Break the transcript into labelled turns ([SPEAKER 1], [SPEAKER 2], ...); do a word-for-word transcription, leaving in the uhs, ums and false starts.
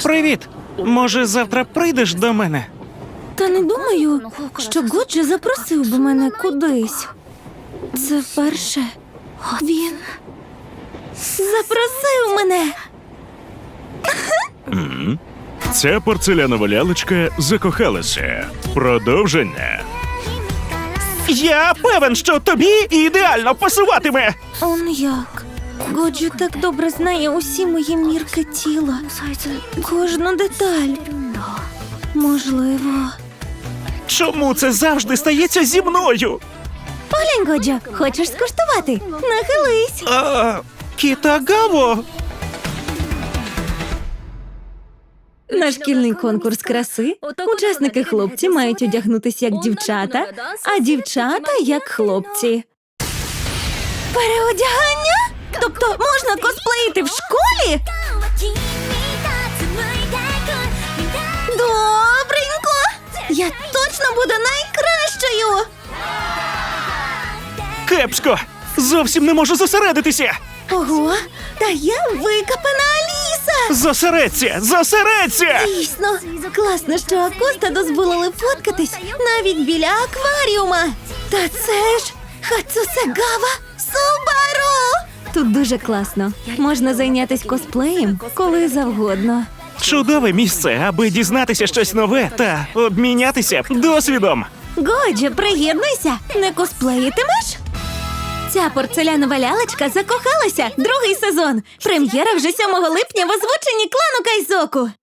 [SPEAKER 1] Привіт! Може, завтра прийдеш до мене?
[SPEAKER 2] Та не думаю, що Годжі запросив би мене кудись. Це вперше він запросив мене.
[SPEAKER 3] Ця порцелянова лялечка закохалася. Продовження.
[SPEAKER 1] Я певен, що тобі ідеально пасуватиме!
[SPEAKER 2] Он як. Годжі так добре знає усі мої мірки тіла. Кожну деталь. Можливо.
[SPEAKER 1] Чому це завжди стається зі мною?
[SPEAKER 2] Поглянь, Годжо, хочеш скуштувати? Нахились.
[SPEAKER 1] А, Кітагаво!
[SPEAKER 2] На шкільний конкурс краси учасники хлопці мають одягнутися як дівчата, а дівчата як хлопці. Переодягання? Тобто можна косплеїти в школі? Добренько! Я точно буду найкращою!
[SPEAKER 1] Кепсько! Зовсім не можу зосередитися!
[SPEAKER 2] Ого, та я викопана Аліса!
[SPEAKER 1] Зосередься! Зосередься!
[SPEAKER 2] Дійсно, класно, що Акоста дозволили фоткатись навіть біля акваріума. Та це ж Хацусегава Субару! Тут дуже класно. Можна зайнятися косплеєм коли завгодно.
[SPEAKER 1] Чудове місце, аби дізнатися щось нове та обмінятися досвідом.
[SPEAKER 2] Годжо, приєднуйся! Не косплеїтимеш? Ця порцелянова лялечка закохалася. Другий сезон. Прем'єра вже сьомого липня в озвученні клану Кайзоку.